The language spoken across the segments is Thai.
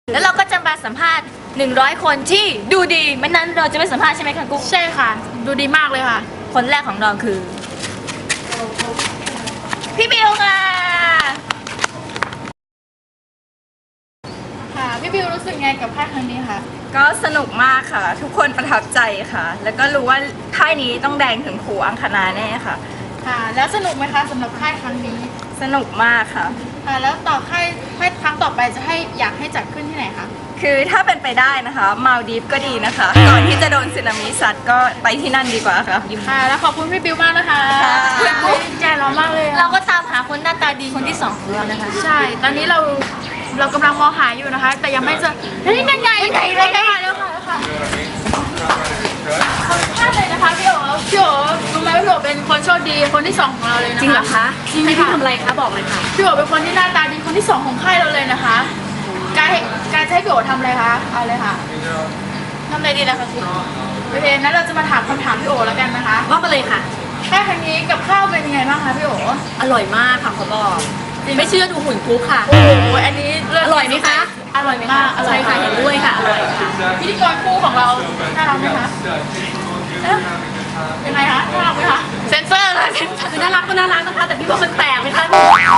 แล้วเราก็จะมาสัมภาษณ์100 คนที่ดูดีไม่นั้นเราจะไม่สัมภาษณ์ใช่ไหมคะกุ๊กใช่ค่ะ ดูดีมากเลยค่ะคนแรกของเราคือ พี่บิวค่ะค่ะ พี่บิวรู้สึกไงกับค่ายครั้งนี้คะก็สนุกมากค่ะ ทุกคนประทับใจค่ะ แล้วก็รู้ว่าค่ายนี้ต้องแดงถึงครูอังคณาแน่ค่ะค่ะ แล้วสนุกไหมคะสำหรับค่ายครั้งนี้สนุกมากค่ะค่ะ แล้วต่อค่ายครั้งต่อไปจะอยากให้จัดขึ้นที่ไหนคะคือถ้าเป็นไปได้นะคะมาลดีฟก็ดีนะคะ ก่อนที่จะโดนสึนามิซัดก็ไปที่นั่นดีกว่าค่ะค่ะ แล้วขอบคุณพี่บิวมากนะคะค่ะดีใจเรามากเลยเราก็ตามหาคนหน้าตาดีคนที่2ของเรานะคะใช่ ตอนนี้เรากำลังมองหาอยู่นะคะ แต่ยังไม่เจอเฮ้ยนั่นไงเลยค่ะแล้วค่ะขอบคุณเลยนะคะพี่โอ๋รู้ไหมพี่โอ๋เป็นคนโชคดีคนที่2ของเราเลยนะคะจริงเหรอคะจริงค่ะทำอะไรคะบอกเลยค่ะพี่โอ๋เป็นคนที่หน้าตาดีคนที่2ของค่ายเราเลยนะคะการจะให้พี่โอ๋ทำอะไรคะเอาเลยค่ะทำอะไรดีนะคะคุณโอเคนั้นเราจะมาถามคำถามพี่โอ๋แล้วกันนะคะว่ามาเลยค่ะค่ายครั้งนี้กับข้าวเป็นยังไงบ้างคะพี่โอ๋อร่อยมากค่ะเขาบอกไม่เชื่อดูหุ่นกุ๊กค่ะโอ้โหอันนี้เลิศอร่อยไหมคะอร่อยมากใช่ค่ะเห็นด้วยค่ะอร่อยค่ะพิธีกรคู่ของเราน่ารักไหมคะเอ๊ะยังไงคะน่ารักไหมคะเซนเซอร์เลยเซนเซอร์คือน่ารักก็น่ารักนะคะ แต่พี่ว่ามันแปลกไหมคะ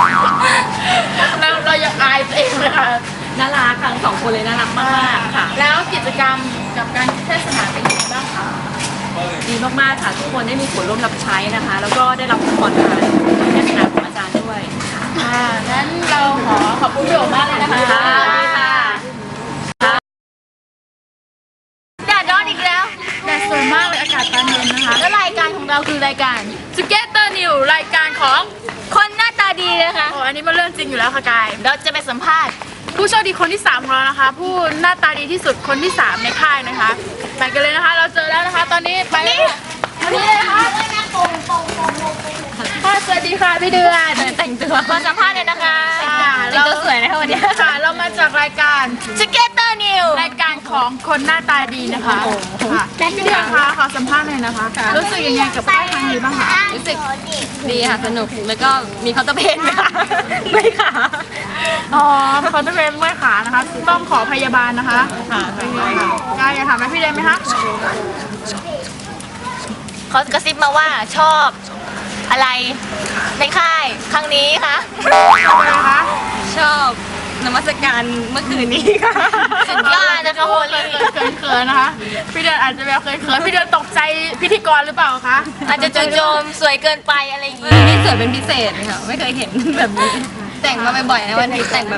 เรายังอายตัวเองเลยค่ะน่ารักค่ะทั้งสองคนเลยน่ารักมากๆค่ะแล้วกิจกรรมกับการเทศนาเป็นยังไงบ้างคะดีมากๆค่ะทุกคนได้มีส่วนร่วมรับใช้นะคะ แล้วก็ได้รับพรจากเทศนาของอาจารย์ด้วยค่ะงั้นเราขอบคุณพี่โอ๋มากเลยนะคะค่ะสวัสดีค่ะแดดร้อนอีกแล้วแดดสวยมากเลยอากาศตอนเย็นนะคะแล้วรายการของเราคือรายการ Together New รายการของคนหน้าตาดีนะคะโอ้อันนี้มันเรื่องจริงอยู่แล้วค่ะกายเราจะไปสัมภาษณ์ผู้โชคดีคนที่3ของเรานะคะ ผู้หน้าตาดีที่สุดคนที่3ในค่ายนะคะไปกันเลยนะคะ เราเจอแล้วนะคะ ตอนนี้ไปเลยค่ะตอนนี้เลยนะคะค่ะสวัสดีค่ะพี่เดือนแต่งตัวมาสัมภาษณ์เลยนะคะค่ะแต่งตัวสวยนะคะวันนี้ค่ะเรามาจากรายการ Together New รายการของคนหน้าตาดีนะคะค่ะพี่เดือนคะขอสัมภาษณ์หน่อยนะคะ รู้สึกยังไงกับค่ายครั้งนี้บ้างคะรู้สึกดีค่ะสนุกแล้วก็มีเคาน์เตอร์เพนไหมคะไม่ค่ะอ๋อเขาจะเป็นเมื่อยขานะคะ ต้องขอพยาบาลนะคะค่ะกายอยากถามอะไรพี่เดือนไหมคะเขากระซิบมาว่าชอบอะไรในค่ายครั้งนี้คะอะไรคะชอบนมัสการเมื่อคืนนี้ค่ะสุดยอดนะคะโฮลี่เขินๆนะคะ พี่เดือนอาจจะแบบเขินๆพี่เดือนตกใจพิธีกรหรือเปล่าคะอาจจะจู่โจมสวยเกินไปอะไรอย่างงี้นี่สวยเป็นพิเศษค่ะ ไม่เคยเห็นแบบนี้ แต่งมาบ่อยๆนะวันนี้แต่งแบบ